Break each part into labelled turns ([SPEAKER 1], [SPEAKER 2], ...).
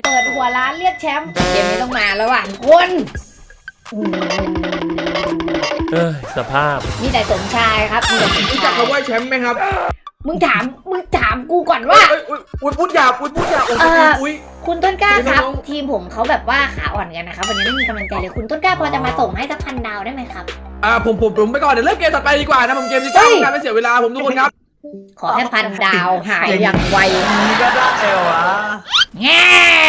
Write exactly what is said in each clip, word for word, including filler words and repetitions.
[SPEAKER 1] เปิดหัวร้านเรียกแชมป์เกมนี้ต้องมาแล้วว่ะคุณ
[SPEAKER 2] เออสภาพ
[SPEAKER 1] มีแต่สมชายครับมีแต่สมชาย
[SPEAKER 3] รู้จักคำว่าแชมป์ไหมครับ
[SPEAKER 1] มึงถามมึงถามกูก่อนว่า
[SPEAKER 3] อุ้ยพูดหยาบอุ้ยพูดหยาบอุ้ย
[SPEAKER 1] คุณต้นกล้าครับทีมผมเขาแบบว่าขาอ่อนกันนะครับวันนี้ไม่มีกำลังใจเลยคุณต้นกล้าพอจะมาส่งให้สักพันดาวได้ไหมครับ
[SPEAKER 3] อ่าผมผมผมไปก่อนเดี๋ยวเริ่มเกมต่อไปดีกว่านะผมเกมที่จ้างการไม่เสียเวลาผมทุกคนครับ
[SPEAKER 1] ขอแค่พันดาวหายอย่างไว
[SPEAKER 3] นี่ก็ได้เหรอวะ
[SPEAKER 1] แง่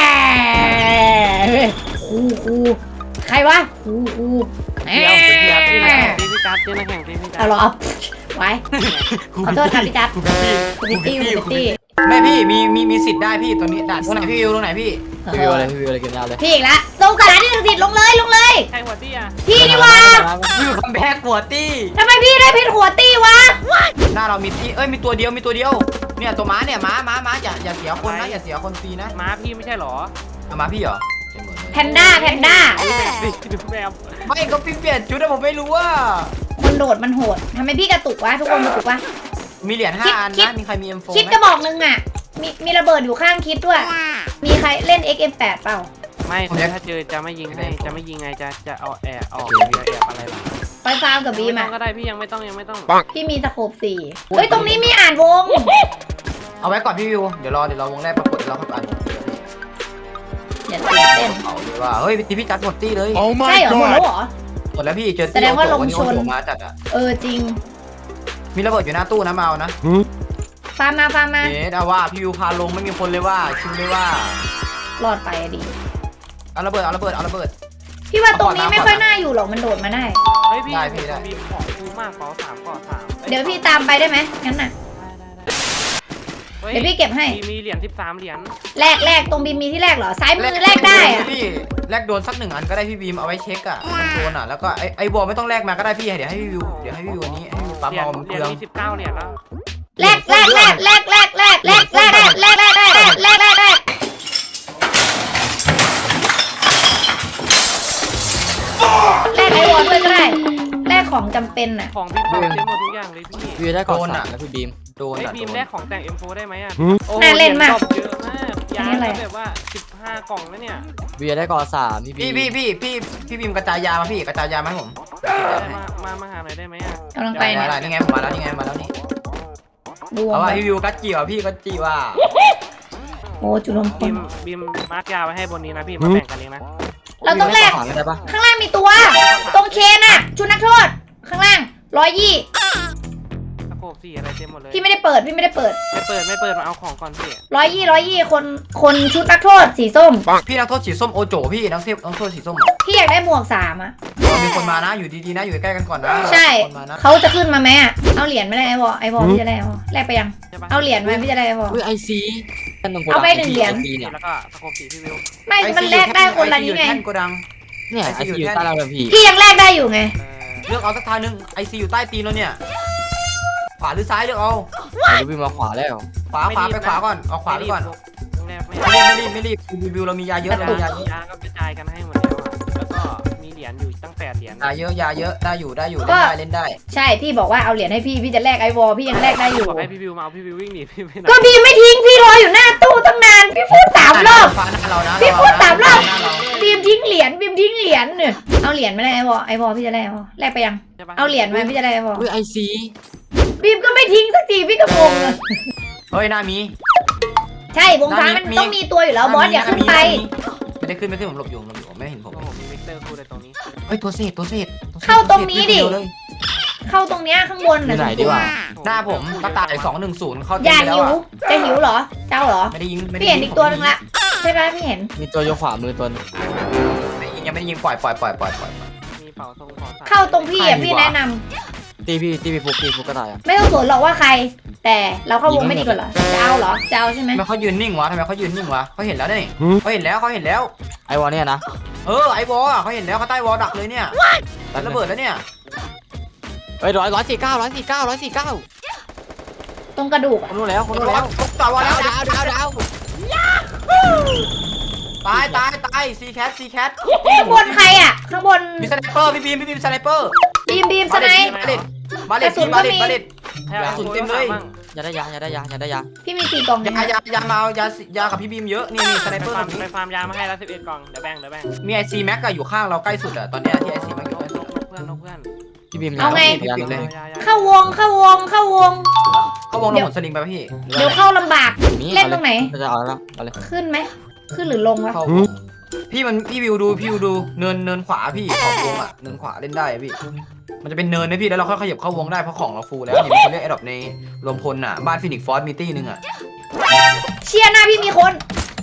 [SPEAKER 1] ครูครูใครวะครูครูแง่
[SPEAKER 2] พี่จัดเจ้าแข่งพี่จัด
[SPEAKER 1] เอาหรอไว้ขอโทษครับพี่จัดพี่ตี้พี่ตี้
[SPEAKER 4] แม่พี่มีมีมีสิทธิ์ได้พี่ตรงนี้ด่านตรงไหนพี่วิวตรงไหนพี่
[SPEAKER 5] พี่วิวอะไรพี่วิวอะไรกินยาเลย
[SPEAKER 1] พี่อีกแล้วลงกระดาษที่หนึ่งสิทธิ์ลงเลยลงเลย
[SPEAKER 2] ใครหัวตี้อ่ะ
[SPEAKER 1] พี่นี่วะ
[SPEAKER 4] พี่วิวคัมแบ็กหัวตี้
[SPEAKER 1] ทำไมพี่ได้เพชรหัวตี้วะ
[SPEAKER 4] หน้าเรามีตี้เอ้ยมีตัวเดียวมีตัวเดียวเนี่ยตัวม้าเนี่ยม้าม้าม้าอย่าอย่าเสียคนนะอย่าเสียคนฟรีนะ
[SPEAKER 2] ม้าพี่ไม่ใช่หรอ
[SPEAKER 4] ม้าพี่เหรอ
[SPEAKER 1] แพนด้าแพนด้า
[SPEAKER 4] ไม่ก็พี่เปลี่ยนชุดแต่ผมไม่รู้ว่า
[SPEAKER 1] คนโดดมันโหดทำไมพี่กระตุกวะทุกคนกระตุกวะ
[SPEAKER 4] มีเหรียญห้าอันนะมีใครมีเอ็มโฟ
[SPEAKER 1] คิดกระบอกนึงอ่ะมีมีระเบิดอยู่ข้างคิดด้วยมีใครเล่น เอ็กซ์ เอ็ม แปด เปล่า
[SPEAKER 2] ไม่ถ้าเจอจะไม่ยิงให้จะไม่ยิงไงจะจะเอาแอบออกจะแอบอะไรล่ะ
[SPEAKER 1] ไปฟาร์มกับบีมอ่ะ
[SPEAKER 2] ก็ได้พี่ยังไม่ต้องยังไม่ต้อง
[SPEAKER 1] พี่มีสโคปสี่เฮ้ยตรงนี้มีอ่านวง
[SPEAKER 4] เอาไว้ก่อนพี่วิวเดี๋ยวรอเดี๋ยวรอวงแรกปรากฏเราเข้าไป
[SPEAKER 1] อย่าตื่นเต้น
[SPEAKER 4] เอาเลยว่าเฮ้ยตีพี่จัดหมดตี้เลย
[SPEAKER 1] ใช่เหรอหมดแล้วเหรอ
[SPEAKER 4] หมดแล้วพี่เจอ
[SPEAKER 1] แสดงว่าลงชน
[SPEAKER 4] มาจัดอ่ะ
[SPEAKER 1] เออจริง
[SPEAKER 4] มีระเบิดอยู่หน้าตู้นะมาเอานะ
[SPEAKER 1] ฟาร์มมาฟาร์มมา
[SPEAKER 4] เอ๊ะเอาว่าพี่วิวพาลงไม่มีคนเลยว่าชิมเลยว่
[SPEAKER 1] ารอดไปดิ
[SPEAKER 4] เอาระเบิดเอาระเบิดเอาระเบิด
[SPEAKER 1] พี่ว่าตรงนี้ไม่ค่อยน่าอยู่หรอกมันโดดมาได้
[SPEAKER 2] เฮ้ยพี่ได้พี่ได้มีของคูมากขอสามขอสาม
[SPEAKER 1] เดี๋ยวพี่ตามไปได้ไหมงั้นน่ะเดี๋ยวพี่เก็บให้
[SPEAKER 2] มีเหรียญสิบสามเหรียญ
[SPEAKER 1] แรกแรกตรงบีมมีที่แรกเหรอซ้ายมือแรกได้อะ
[SPEAKER 4] พี่แรกโดนสักหนึ่งอันก็ได้พี่บีมเอาไว้เช็คอะโดนอะแล้วก็ไอไอบอลไม่ต้องแรกมาก็ได้พี่เดี๋ยวให้พี่วิวเดี๋ยวให้พี่วิวนี้ให้พี่ปั๊มเอา
[SPEAKER 2] เหรียญมีสิบเก้าเหรียญแล้ว
[SPEAKER 1] แรกแรกแรกแรกแรกแรกแรกแรกแรกแรกแรกแรกแรกแรกแรกแรกไอวอลด้วยก็ได้แรกของจำเป็นอะ
[SPEAKER 2] ของพี่ปั๊มเต็มหมดทุกอย่างเลยพี่
[SPEAKER 5] พี่ได้ก่อนอ่ะแล้วพี่บีม
[SPEAKER 4] โดนอะ
[SPEAKER 2] บีมแรกของแต่ง เอ็ม โฟร์ ได้ไหมอ่ะ
[SPEAKER 1] น่าเล่นมาก
[SPEAKER 2] เยอะมากยาแบบว่าสิบห้ากล่องแล้วเนี่ย
[SPEAKER 5] พี่ได้ก่อนสามพี่
[SPEAKER 4] พี่พี่พี่พี่บีมกระจายยามาพี่กระจายยามาให้ผม
[SPEAKER 2] มามามาหาหน่อยได้ไหมอ่ะ
[SPEAKER 1] กำลังไป
[SPEAKER 4] เนี่ยนี่ไงมาแล้วนี่ไงมาแล้วนี่เอาว่าพี่วิวกัจจิว่ะพี่กัจจิว่ะ
[SPEAKER 1] โอ้จุลมพล
[SPEAKER 2] บีมบีมมาร์กยาไว้ให้บนนี้นะพี่มาแบ่งกันเองนะ
[SPEAKER 1] เราต้องแลกข้างล่างมีตัวตรงเคนอะชุดนักโทษข้างล่างร้อยยี่
[SPEAKER 2] ตะโกบสี่อะไรเต็มหมดเลย
[SPEAKER 1] พี่ไม่ได้เปิดพี่ไม่ได้เปิด
[SPEAKER 2] ไม่เปิดไม่เปิดมาเอาของก่อนพี่
[SPEAKER 1] ร้อยยี่ร้อยยี่คนคนชุดนักโทษสีส้ม
[SPEAKER 4] พี่นักโทษสีส้มโอโจพี่นักเทพนักโทษสีส้ม
[SPEAKER 1] พี่อยากได้หมวกสามอะ
[SPEAKER 4] มีคนมานะอยู่ดีๆนะอยู่ใกล้กันก่อนนะ
[SPEAKER 1] ใช่เขาจะขึ้นมาไหมอะเอาเหรียญไม่ได้ไอ้บอไอ้บอพี่จะได้ไอ้บอแลกไปยังเอาเหรียญมาพี่จะได้ไอ้บอ
[SPEAKER 5] ไอซี
[SPEAKER 1] เอาไปหนึ่งเหรียญ
[SPEAKER 2] แล้วก็ตะโกบสี่พี่วิว
[SPEAKER 1] ไม่มันแลกได้คนละนี้ไง
[SPEAKER 5] เนี่ยไอซีอยู่ใต้เราเลยพี่
[SPEAKER 1] พี่ยังแลกได้อยู่ไง
[SPEAKER 4] เลือกเอาสักทางนึงไอซีอยู่ใต้ตีนเราเนี่ยขวาหรือซ้ายเลือกเอา
[SPEAKER 5] เดี๋ยววิ่งมาขวาแล้ว
[SPEAKER 4] ขวาขวาไปขวาก่อนเอาขวาไปก่อนไม่รีบไม่รีบไม่รีบวิวเรามียาเยอะเรามียาเยอะ
[SPEAKER 2] ยาก็กระจายกันให้หมดแล้วแล้วก็มีเหรียญอยู่ตั้งแปดเหรียญ
[SPEAKER 4] ยาเยอะยาเยอะได้อยู่ได้อยู่เล่นได้เล่นได้
[SPEAKER 1] ใช่พี่บอกว่าเอาเหรียญให้พี่พี่จะแลกไอวอลพี่ยังแลกได้อยู่
[SPEAKER 2] บอกให้พี่วิวมาเอาพี่วิววิ่งหนีพี่
[SPEAKER 1] ก็พี่ไม่ทิ้งพี่รออยู่หน้าตู้ตั้งนานพี่พูดสามรอบพี่พูดสามรอบบีมทิ้งเหรียญบีมทิ้งเหรียญเนี่ยเอาเหรียญไม่ได้ไอวอลไอวอลพี่จะแลกแลกไปยังเอาเหรียญมาพี่จะได้ไอวอล
[SPEAKER 5] ไอซี
[SPEAKER 1] บีมก็ไม่ทิ้งสักทีพี่ก็งงเลย
[SPEAKER 4] เฮ้ยหน้ามี
[SPEAKER 1] ใช่วงฟ้ามันต้องมีตัวอยู่แล้วบอสอย่าขึ้นไป
[SPEAKER 4] ไม่ได้ขึ้นไม่ขึ้นผมหลบอยู่หลบอยู่ไม่เห็นผม
[SPEAKER 2] มีเวกเตอร์คูในตรงนี้
[SPEAKER 4] เฮ้ยตัวเศษตัวเศษ
[SPEAKER 1] เข้าตรงนี้ดิเข้าตรงเนี้ยข้างบนน่ะ
[SPEAKER 5] ไหนดีวะ
[SPEAKER 4] หน้าผมกระต่ายสองหนึ่งศูนย์เข้า
[SPEAKER 1] อย่าหิวจะหิวเหรอเจ้าเหรอ
[SPEAKER 4] ไม่ได้ยิง
[SPEAKER 1] พี่เห็นอีกตัวนึงละใช่ไหมพี่เห็น
[SPEAKER 5] มีตัวโยขวามือตัวนึง
[SPEAKER 4] ไม่ยิงยังไม่ยิงปล่อยปล่อยปล่อยปล่อยปล่อย
[SPEAKER 2] มีเป่าทรงขอสาม
[SPEAKER 1] เข้าตรงพี่อ่ะพี่แนะนำ
[SPEAKER 5] ตีพี่ตีพี่ฟุกตีฟุกกระต่ายอ่ะ
[SPEAKER 1] ไม่ต้องสนหรอกว่าใครแต่เราเข้าวงไม่ดีกว่าเหรอจะเอาเหรอจะเอาใช่ไหม
[SPEAKER 4] ทำไมเขายืนนิ่งวะทำไมเขายืนนิ่งวะเขาเห็นแล้วนี่เขาเห็นแล้วเขาเห็นแล้ว
[SPEAKER 5] ไอวอลเนี่ยนะ
[SPEAKER 4] เออไอวอลอ่ะเขาเห็นแล้วเขาใต้วอลดักเลยเนี่ยระเบิดแล้วเนี่ย
[SPEAKER 5] เฮ้ยร้อยร้อยสี่เก้าร้อยสี่เก้าร้อยสี่เก้า
[SPEAKER 1] ตรงกระดูก
[SPEAKER 5] คนรู้แล้วคนรู้แล้ว
[SPEAKER 4] ต่อวอลแล้ว
[SPEAKER 5] ดาวดาวดาว
[SPEAKER 4] ตายตายตายซีแคทซีแคท
[SPEAKER 1] ข้างบนใครอ่ะข้างบน
[SPEAKER 4] มีสไนเปอร์พี่บีมพี่บีมสไนเปอร์
[SPEAKER 1] บีมบีมสไน
[SPEAKER 4] บาเลตบาเลตบาเลตบาเลตกระสุนเต็มเลย
[SPEAKER 5] อย่าได้ยาอย่าได้ยาอย่าได้ยา
[SPEAKER 1] พี่มีสี่กล่อง
[SPEAKER 4] ยายายามาเอายายากับพี่บีมเยอะนี่นี่สไน
[SPEAKER 2] ไป
[SPEAKER 4] เปอร์
[SPEAKER 2] ฟาร์ม
[SPEAKER 4] แบบนี้
[SPEAKER 2] ไปฟาร์มยามาให้แล้วสิบเอ็ดกล่องเดี๋ยวแบ่งเดี๋ยวแบ่ง
[SPEAKER 4] มีไอซีแม็กอะอยู่ข้างเราใกล้สุดอะตอนเนี้ยที่ไอซีแม็กอยู่ใกล้สุด
[SPEAKER 2] เพื่อนเพื่อน
[SPEAKER 5] พี่บีม
[SPEAKER 1] เอาไง
[SPEAKER 5] ยาเลย
[SPEAKER 1] เข้าวงเข้าวงเข้าวง
[SPEAKER 4] เขาวงลงหนสลิงไปป่ะพี่
[SPEAKER 1] เดี๋ยวเข้าลำบาก เล่นตรงไหน
[SPEAKER 5] จะเอาแล้วเอาเลย
[SPEAKER 1] ขึ้นไหมขึ้นหรือลงวะ
[SPEAKER 4] เข้าวงพี่มันพี่วิวดูพี่วิวดูเนินเนินขวาพี่ขอบวงอะเนินขวาเล่นได้อะพี่มันจะเป็นเนินนะพี่แล้วเราค่อยขยับเข้าวงได้เพราะของเราฟูลแล้วเนี่ยมีคนเรียกไอ้ดอกในรวมพลอะบ้านฟินิกฟอร์สมีตี้นึงอะ
[SPEAKER 1] เชียร์หน้าพี่มีคน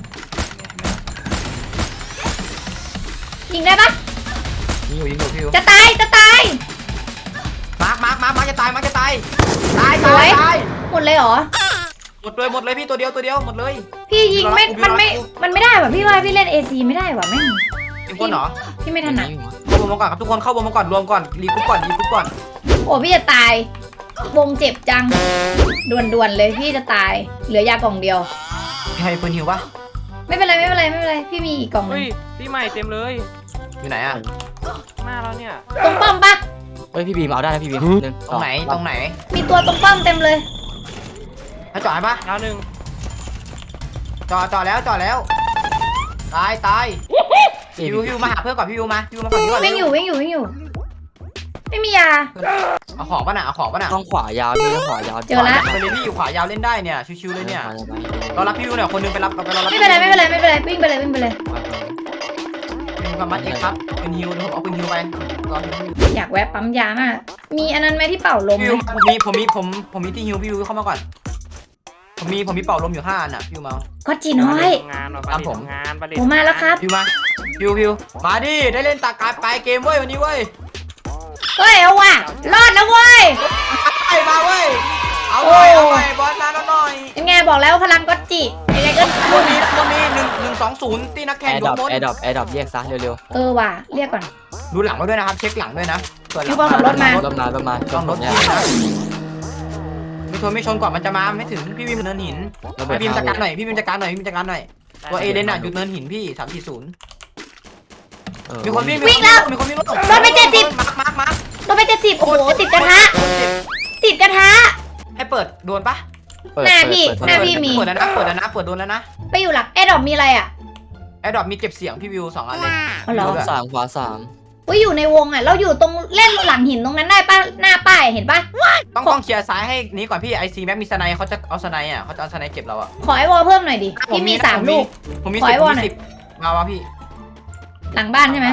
[SPEAKER 1] ยิงได้ปะ
[SPEAKER 4] ยิงอยู่ยิงอยู่พี่วิว
[SPEAKER 1] จะตายจะตาย
[SPEAKER 4] มาร์คมาร์คมาร์คมาร์คจะตายมาร์คจะตายตาย
[SPEAKER 1] สวย
[SPEAKER 4] ตาย
[SPEAKER 1] หมดเลยเหรอ
[SPEAKER 4] หมดเลยหมดเลยพี่ตัวเดียวตัวเดียวหมดเลย
[SPEAKER 1] พี่ยิงไม่
[SPEAKER 4] พี่
[SPEAKER 1] มันไม่
[SPEAKER 4] รอกู
[SPEAKER 1] มันไม่ได้ว่ะพี่ว่าพี่เล่นเอซีไม่ได้ว่ะแม่ง
[SPEAKER 4] ยิงคนเหรอ
[SPEAKER 1] พี่ไม่ถนัด
[SPEAKER 4] เข้าวงมาก่อนครับทุกคนเข้าวงมาก่อนรวมก่อนรีกรุ๊ปก่อนรีกรุ๊ปก่อน
[SPEAKER 1] โอ้พี่จะตายวงเจ็บจังด่วนๆเลยพี่จะตายเหลือยากล่องเดียว
[SPEAKER 4] มีใครปืนหิวปะ
[SPEAKER 1] ไม่เป็นไรไม่เป็นไรไม่เป็นไรพี่มีอีกกล่องหนึ
[SPEAKER 2] เฮ้
[SPEAKER 1] ง
[SPEAKER 2] ยพี่ใหม่เต็มเลย
[SPEAKER 4] อยู่ไหนอะ
[SPEAKER 2] หน้าเราเนี่ย
[SPEAKER 1] ตรงป้อมปะ
[SPEAKER 5] เฮ้ยพี่บีมเอาได้นะพี่บีมหนึ่ง
[SPEAKER 4] ตรงไหนตรงไหน
[SPEAKER 1] มีตัวตรงป้อมเต็มเลย
[SPEAKER 4] ให้จอดให้ปะ
[SPEAKER 2] ดาวหนึ่ง
[SPEAKER 4] จอดจอดแล้วจอดแล้วตายตายพี่วิวพี่วิวมาหาเพื่อนก่อนพี่วิวมาพี่วิวมาฝั่งนี้ก่อน
[SPEAKER 1] วิ่งอยู่วิ่งอยู่วิ่งอยู่ ไม่มียา
[SPEAKER 4] เอาของป่ะน่ะเอาของป่ะน่ะ
[SPEAKER 5] ต้องขวายาวพี่ต้องขวายาว
[SPEAKER 1] เจอละ
[SPEAKER 4] ไปเลยพี่อยู่ขวายาวเล่นได้เนี่ยชิวๆเลยเนี่ยรอรับพี่วิวหน่อยคนนึงไปรับไปรอรับ
[SPEAKER 1] ไม่เป็นไรไม่เป็นไรไม่เป็นไรวิ่งไปเลยวิ่งไปเลย
[SPEAKER 4] เป็นกำมัดเองครับเป็นฮิวเดี๋ยวผมเอาเป็นฮิวไปรอฮิว
[SPEAKER 1] อยากแวะปั๊มยามากมีอันนั้นไหมที่เป่าลม
[SPEAKER 4] พี่
[SPEAKER 1] ไหม
[SPEAKER 4] วิวผมมีผมมีผมผมมีที่ฮิวพี่วิวเข้ามาก่อนผมมีผมมีเป่าลมอยู่ห้าอันน่ะพี่วิวมา
[SPEAKER 1] ก็จีน้อย
[SPEAKER 2] งาน
[SPEAKER 4] ตามผม
[SPEAKER 2] งานประเด็น
[SPEAKER 1] ผมมาแล้วครับ
[SPEAKER 4] พี่มาพี่วิวพี่วิวมาดิได้เล่นตากายปลายเกมเว้ยวันนี้เว้ย
[SPEAKER 1] เฮ้ยเอาว่ะรอดแล้วเว้ย
[SPEAKER 4] ไปมาเว้ยเอาหน่อยเอาหน่อยบอสมาแล้วหน่อย
[SPEAKER 1] ยังไงบอกแล้วพลังก็จิยังไงก็
[SPEAKER 4] วันนี้วันนี้หนึ่งหนึ่งสองศูนย์ตีนัก
[SPEAKER 5] แอ
[SPEAKER 4] แข่ง
[SPEAKER 5] ร์
[SPEAKER 4] ด
[SPEAKER 5] ด
[SPEAKER 4] ว
[SPEAKER 5] อง ป
[SPEAKER 4] มน
[SPEAKER 5] แอร์ดรอปแอร์ดรอปแยกซะเร็ว
[SPEAKER 1] เออว่ะเรียกก่อน
[SPEAKER 4] ดูหลังไว้ด้วยนะครับเช็คหลังด้วยนะเปิดหลั
[SPEAKER 1] พี่บอลขับรถมา
[SPEAKER 5] ๆรถมาประมาณ
[SPEAKER 4] ต้องรถ
[SPEAKER 5] เนี่ย
[SPEAKER 4] พี่นะไม่ชนไม่ชนก่อนมันจะมาไม่ถึงพี่วิมเนินหิน
[SPEAKER 5] ระเบิด
[SPEAKER 4] พี่วิมจัดการหน่อยพี่วิมจัดการหน่อยพี่วิมจัดการหน่อยตัวเอเลนอ่ะหยุดเนินหินพี่สามสี่ศูนย์มีคนวิ่งมีคนวิ่งรถ
[SPEAKER 1] รถไปเจ็ดสิบ
[SPEAKER 4] มาร์คมาร์คมาร์ค
[SPEAKER 1] รถไปเจ็ดสิบโอ้โหติดกระทะ ติดกระทะ
[SPEAKER 4] ให้เปิดโดนปะ
[SPEAKER 5] เปิด
[SPEAKER 1] หน้าพี่
[SPEAKER 5] เปิด
[SPEAKER 1] หน้า
[SPEAKER 5] เปิด
[SPEAKER 1] พี่ มี
[SPEAKER 4] เปิดแล้วนะเปิดแล้วนะเปิดโดนแล้วนะ
[SPEAKER 1] ไปอยู่หลักแอร์ดรอปมีอะไรอ่ะ
[SPEAKER 4] ไอ้ดอกมีเก็บเสียงพี่วิวสองอันเลย
[SPEAKER 1] อ๋อเหรอ
[SPEAKER 5] ขวาสามขวาสาม
[SPEAKER 1] อุ้ยอยู่ในวงอ่ะ เราอยู่ตรงเล่นหลังหินตรงนั้นได้ปะหน้าป้ายเห็นปะ
[SPEAKER 4] ต้องต้องเคลียร์ซ้ายให้นี้ก่อนพี่ไอซีแม็กมีสไนเขาจะเอาสไนอ่ะเขาจะเอาสไนเก็บเราอ่ะ
[SPEAKER 1] ขอไอวอลเพิ่มหน่อยดิพี่มีสามลูก
[SPEAKER 4] ผมมี
[SPEAKER 1] ขอ
[SPEAKER 4] สิ
[SPEAKER 1] ให้
[SPEAKER 4] บ
[SPEAKER 1] ว
[SPEAKER 4] ผ
[SPEAKER 1] อ
[SPEAKER 4] ม
[SPEAKER 1] ลหน่อย
[SPEAKER 4] มีสิบมาวะพี่
[SPEAKER 1] หลังบ้านใช่ไหม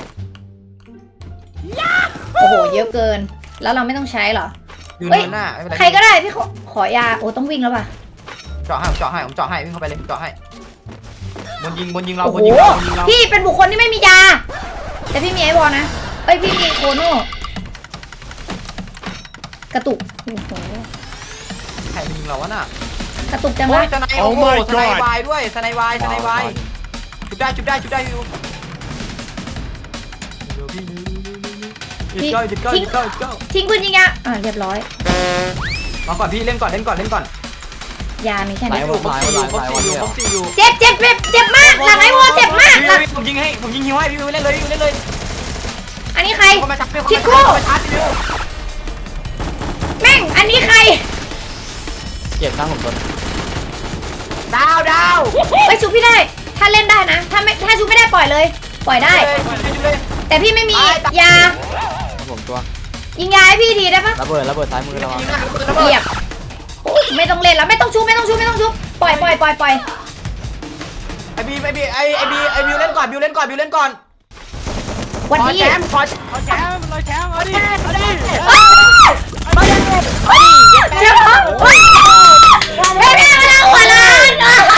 [SPEAKER 1] โอ้โหเยอะเกิน แล้วเราไม่ต้องใช้เหรอ
[SPEAKER 4] อยู่
[SPEAKER 1] เฮ้ย
[SPEAKER 4] เนินหน้าไม่เป็นไร
[SPEAKER 1] ใครก็ได้พี่ขอขอยาโอ้ต้องวิ่งแล้วป่ะ
[SPEAKER 4] เจาะให้ผมเจาะให้ผมเจาะให้วิ่งเข้าไปเลยเจาะให้บนยิงบนยิงเรา
[SPEAKER 1] โอ้
[SPEAKER 4] บ
[SPEAKER 1] โห
[SPEAKER 4] นยิงเราบนยิงเรา
[SPEAKER 1] พี่เป็นบุคคลที่ไม่มียา แต่พี่มีไอวอลนะเอ้ยพี่มีโคโน่กระตุกโอ้โห
[SPEAKER 4] ใครยิงเราวะน่ะ
[SPEAKER 1] กระตุกจัง
[SPEAKER 4] โอ้
[SPEAKER 1] วะ
[SPEAKER 4] ยสไนโอ้โหสไนวายด้วยสไนวายสไนวายจุดได้จุดได้จุดได้อยู่จุดเก้าจุดเก้าจุดเก้าจุดเก้า
[SPEAKER 1] ทิ้งปืนยิงยาอ่าเรียบร้อย
[SPEAKER 4] มาก่อนพี่เล่นก่อนเล่นก่อนเล่นก่อน
[SPEAKER 1] ยามีแค่
[SPEAKER 5] หลา
[SPEAKER 1] นี้
[SPEAKER 5] ยวันหลายวันหลาย
[SPEAKER 4] ครบ
[SPEAKER 5] หลาย
[SPEAKER 4] สี่
[SPEAKER 5] วัน
[SPEAKER 4] อยู่
[SPEAKER 5] เนี่ย
[SPEAKER 4] ครบสี่อยู่
[SPEAKER 1] เจ็บเจ็บเจ็บเจ็บมากหลังไอวอลเจ็บมาก
[SPEAKER 4] พี่
[SPEAKER 1] หลัง
[SPEAKER 4] ผมยิงให้ผมยิงฮิวให้พี่วิวเล่นเลยพี่วิวเล่นเลย
[SPEAKER 1] อันนี้ใคร
[SPEAKER 4] เขามาชักพี่เขา
[SPEAKER 1] คิ
[SPEAKER 4] มา
[SPEAKER 1] ดคู่
[SPEAKER 4] ชักมาชาร์จพี่วิว
[SPEAKER 1] แม่งอันนี้ใคร
[SPEAKER 5] เจ็บนะผมโดน
[SPEAKER 4] ดาวดาว
[SPEAKER 1] ไปชุบพี่ได้ ถ้าเล่นได้นะ ถ้าไม่ถ้าชุบไม่ได้ปล่อยเลย ปล่อยได้
[SPEAKER 4] เลย
[SPEAKER 1] แต่พี่ไม่มียา
[SPEAKER 5] ผมตัว
[SPEAKER 1] ยิงยาให้พี่ทีได้ปะ
[SPEAKER 5] ระเบิดระเบิดซ้ายมือเรา
[SPEAKER 4] ยิงนะ
[SPEAKER 1] เหยียบโอ๊ยไม่ต้องเล่นแล้วไม่ต้องชุบไม่ต้องชุบไม่ต้องชุบปล่อยปล่อยปล่อยปล่อย
[SPEAKER 4] ไอบีไอบีไอไอบีไอบิวเล่นก่อนบิวเล่นก่อนบิวเล่นก่อน
[SPEAKER 1] วัน
[SPEAKER 4] ขอ
[SPEAKER 1] นี้
[SPEAKER 4] แชมป์ขอ
[SPEAKER 2] เอาแชมป์เราแชมป์เอาดิเอาดิ
[SPEAKER 1] เจ้าของไม่ได้มาแล้วหัวล้าน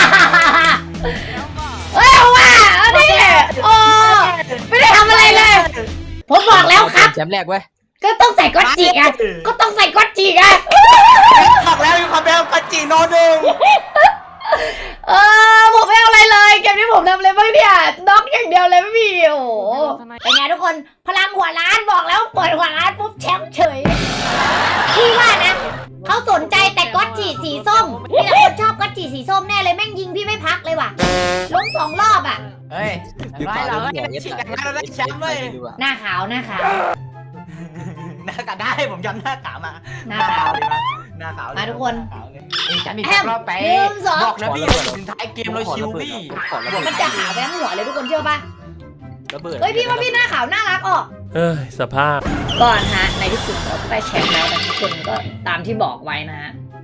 [SPEAKER 1] เฮ้ยเอาว่ะเอาดิโอ้ไม่ได้ทำอะไรเลย ผมบอกแล้วครับ
[SPEAKER 5] แชมป์แรกเว้ย
[SPEAKER 1] ก็ต้องใส่ก๊อตจิกอ่ะก็ต้องใส่ก๊อตจิกอ่ะ
[SPEAKER 4] บอกแล้วอยู่คำเบลกัจจิโนหนึ่ง
[SPEAKER 1] เออผมไม่เอาอะไรเลยเกมนี้ผมทำอะไรบ้างเนี่ยน็อกอย่างเดียวเลยไม่มีโอ้โหเป็นไงทุกคนพลังหัวล้านบอกแล้วเปิดหัวล้านปุ๊บแชมป์เฉยพี่ว่านะเขาสนใจแต่ก๊อตจิสีส้มพี่ละคนชอบก๊อตจิสีส้มแน่เลยแม่งยิงพี่ไม่พักเลยว่ะล้มสองรอบอ่ะ
[SPEAKER 4] เฮ้ยไม่เราได้ชิงกันเราได้แชมป์เลย
[SPEAKER 1] หน้าขาวหน้าขาว
[SPEAKER 4] หน้ากาได้ผมย้ำหน้ากามา
[SPEAKER 1] หน้าขาว
[SPEAKER 4] ดีมาหน้าขาว
[SPEAKER 1] มาทุกคน
[SPEAKER 4] เอ้ยจัดนี่
[SPEAKER 1] แอม
[SPEAKER 4] รอบไป
[SPEAKER 1] หนึ่งสอง
[SPEAKER 4] บอกนะพี่เราถึงท้ายเกมเราชิวพี่
[SPEAKER 1] มันจะขาวไปทั้งหัวเลยทุกคนเชื่อป่ะ
[SPEAKER 5] ระเบิด
[SPEAKER 1] เฮ้ยพี่ว่าพี่หน้าขาวน่ารักออก
[SPEAKER 6] เอ้ยสภาพ
[SPEAKER 1] ก่อนฮะในที่สุดเราก็ได้แชมป์แล้วนะทุกคนก็ตามที่บอกไว้นะฮะ